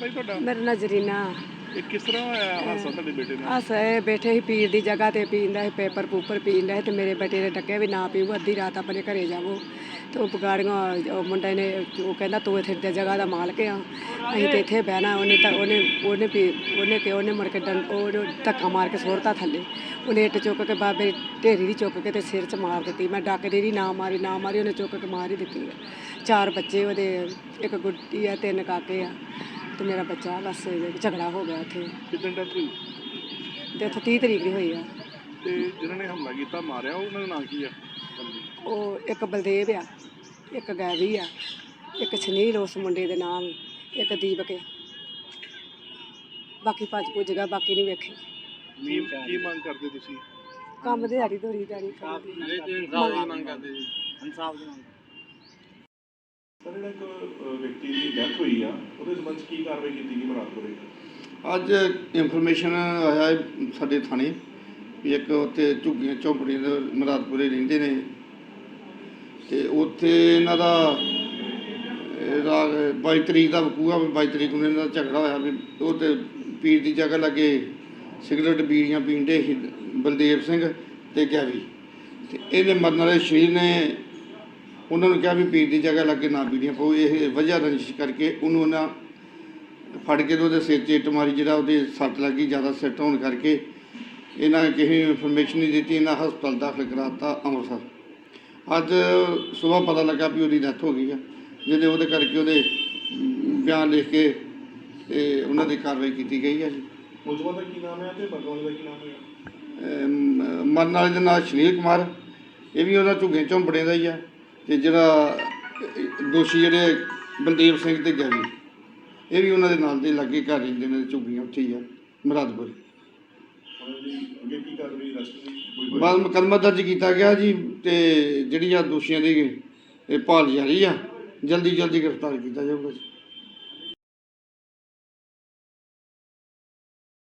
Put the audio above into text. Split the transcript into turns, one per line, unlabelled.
भाई ਤੁਹਾਡਾ?
ਮੇਰਾ ਨਾਂ ਜ਼ਰੀਨਾ।
ਇਹ ਕਿਸ ਤਰ੍ਹਾਂ ਹੋਇਆ ਹਾਦਸਾ ਤੁਹਾਡੇ ਬੇਟੇ ਨਾਲ?
ਅਸ ਇਹ ਬੈਠੇ ਸੀ ਪੀਰ ਦੀ ਜਗ੍ਹਾ ਤੇ ਪੀਂਦਾ ਸੀ ਪੇਪਰ ਪੂਪਰ ਪੀਂਦਾ ਸੀ ਤੇ ਮੇਰੇ ਬੇਟੇ ਨੇ ਡੱਕਿਆ ਵੀ ਨਾ ਪੀਓ ਅੱਧੀ ਰਾਤ ਆਪਣੇ ਘਰੇ ਜਾਵੋ ਤੇ ਉਹ ਬਗਾੜੀਆਂ ਉਹ ਮੁੰਡੇ ਨੇ ਉਹ ਕਹਿੰਦਾ ਤੂੰ ਇੱਥੇ ਦੀ ਜਗ੍ਹਾ ਦਾ ਮਾਲਕ ਆ ਅਸੀਂ ਤੇ ਇੱਥੇ ਬਹਿਣਾ ਉਹਨੇ ਮੁੜ ਕੇ ਉਹ ਧੱਕਾ ਮਾਰ ਕੇ ਸੁੱਟਤਾ ਥੱਲੇ। ਉਹਨੇ ਇੱਟ ਚੁੱਕ ਕੇ ਬਾਬੇ ਢੇਰੀ ਦੀ ਚੁੱਕ ਕੇ ਤੇ ਸਿਰ 'ਚ ਮਾਰ ਦਿੱਤੀ। ਮੈਂ ਡੱਕਦੀ ਰਹੀ ਨਾ ਮਾਰੀ ਉਹਨੇ ਚੁੱਕ ਕੇ ਮਾਰ ਹੀ ਦਿੱਤੀ। 4 ਬੱਚੇ ਉਹਦੇ, ਇੱਕ ਗੁੱਡੀ ਆ 3 ਕਾਕੇ ਆ ਤੇ ਮੇਰਾ ਬੱਚਾ ਬਸ ਝਗੜਾ ਹੋ ਗਿਆ ਉੱਥੇ।
ਕਿੰਨੇ ਡੈਥ ਹੋਈ?
ਡੈਥ 30 ਤਰੀਕ ਦੀ ਹੋਈ ਆ।
ਤੇ ਜਿਨ੍ਹਾਂ ਨੇ ਹਮਲਾ ਕੀਤਾ ਮਾਰਿਆ ਉਹਨਾਂ ਦਾ ਨਾਂ ਕੀ ਆ?
ਉਹ ਇੱਕ ਬਲਦੇਵ ਆ, ਇੱਕ ਗੈਵੀ ਆ, ਇੱਕ ਸੁਨੀਲ ਉਸ ਮੁੰਡੇ ਦੇ ਨਾਮ, ਇੱਕ ਦੀਪਕ ਆ। ਬਾਕੀ ਭੱਜ ਭੁੱਜ ਗਿਆ, ਬਾਕੀ ਨਹੀਂ ਵੇਖੇ।
ਕੀ ਮੰਗ ਕਰਦੇ ਤੁਸੀਂ?
ਕੰਮ ਦਿਹਾੜੀ ਦੋਰੀ ਦਾੜੀ
ਸਰ ਜਿਹੜਾ ਇੱਕ ਵਿਅਕਤੀ ਦੀ ਡੈਥ ਹੋਈ ਆ ਉਹਦੇ ਸੰਬੰਧ 'ਚ ਕੀ ਕਾਰਵਾਈ ਕੀਤੀ ਗਈ ਮੁਰਾਦਪੁਰੇ?
ਅੱਜ ਇਨਫੋਰਮੇਸ਼ਨ ਆਇਆ ਹੈ ਸਾਡੇ ਥਾਣੇ ਵੀ ਇੱਕ ਉੱਥੇ ਝੁੱਗੀਆਂ ਝੌਂਪੜੀਆਂ ਦੇ ਮੁਰਾਦਪੁਰੇ ਰਹਿੰਦੇ ਨੇ ਤੇ ਉੱਥੇ ਇਹਨਾਂ ਦਾ 22 ਤਰੀਕ ਦਾ ਵਕੂਆ 22 ਤਰੀਕ ਨੂੰ ਇਹਨਾਂ ਦਾ ਝਗੜਾ ਹੋਇਆ ਵੀ ਉਹ ਤੇ ਪੀਰ ਦੀ ਜਗ੍ਹਾ ਲੱਗੇ ਸਿਗਰਟ ਬੀੜੀਆਂ ਪੀਂਦੇ ਸੀ ਬਲਦੇਵ ਸਿੰਘ ਤੇ ਗੈਵੀ ਤੇ ਇਹਦੇ ਮਰਨ ਵਾਲੇ ਸ਼ਰੀਰ ਨੇ ਉਹਨਾਂ ਨੂੰ ਕਿਹਾ ਵੀ ਪੀਰ ਦੀ ਜਗ੍ਹਾ ਲੱਗੇ ਨਾ ਬੀੜੀਆਂ ਪਾਓ। ਇਹ ਵਜ੍ਹਾ ਰੰਜਿਸ਼ ਕਰਕੇ ਉਹਨੂੰ ਉਹਨਾਂ ਫੜ ਕੇ ਉਹਦੇ ਸਿਰ 'ਚ ਇੱਟ ਮਾਰੀ, ਜਿਹੜਾ ਉਹਦੇ ਸੱਟ ਲੱਗੀ ਜ਼ਿਆਦਾ ਸਿੱਟ ਹੋਣ ਕਰਕੇ ਇਹਨਾਂ ਨੇ ਕਿਸੇ ਨੂੰ ਇਨਫੋਰਮੇਸ਼ਨ ਨਹੀਂ ਦਿੱਤੀ। ਇਹਨਾਂ ਹਸਪਤਾਲ ਦਾਖਲ ਕਰਾਤਾ ਅੰਮ੍ਰਿਤਸਰ। ਅੱਜ ਸੁਬਾਹ ਪਤਾ ਲੱਗਾ ਵੀ ਉਹਦੀ ਡੈਥ ਹੋ ਗਈ ਆ, ਉਹਦੇ ਕਰਕੇ ਉਹਦੇ ਬਿਆਨ ਲਿਖ ਕੇ ਤੇ ਉਹਨਾਂ ਦੀ ਕਾਰਵਾਈ ਕੀਤੀ ਗਈ ਹੈ ਜੀ।
ਮੁਲਜ਼ਮਾਂ ਦਾ ਕੀ ਨਾਮ ਹੈ ਤੇ ਮਰਨ ਵਾਲੇ ਦਾ ਕੀ ਨਾਮ ਹੈ?
ਮਰਨ ਵਾਲੇ ਦਾ ਨਾਮ ਸੁਨੀਲ ਕੁਮਾਰ, ਇਹ ਵੀ ਉਹਨਾਂ ਝੁੱਗੇ ਝੌਂਪੜੇ ਦਾ ਹੀ ਆ ਤੇ ਜਿਹੜਾ ਦੋਸ਼ੀ ਜਿਹੜੇ ਬਲਦੇਵ ਸਿੰਘ ਤੇ ਗੈਵੀ ਇਹ ਵੀ ਉਹਨਾਂ ਦੇ ਨਾਲ ਦੇ ਲਾਗੇ ਘਰ ਰਹਿੰਦੇ ਨੇ, ਝੁੱਗੀਆਂ ਉੱਥੇ ਹੀ ਆ ਮੁਰਾਦਪੁਰ।
ਅੱਗੇ ਕੀ ਕਾਰਵਾਈ ਰਸਤੇ
ਬਾਅਦ ਮੁਕੱਦਮਾ ਦਰਜ ਕੀਤਾ ਗਿਆ ਜੀ ਤੇ ਜਿਹੜੀਆਂ ਦੋਸ਼ੀਆਂ ਦੀ ਭਾਲ ਜਾਰੀ ਆ, ਜਲਦੀ ਗ੍ਰਿਫਤਾਰ ਕੀਤਾ ਜਾਊਗਾ ਜੀ।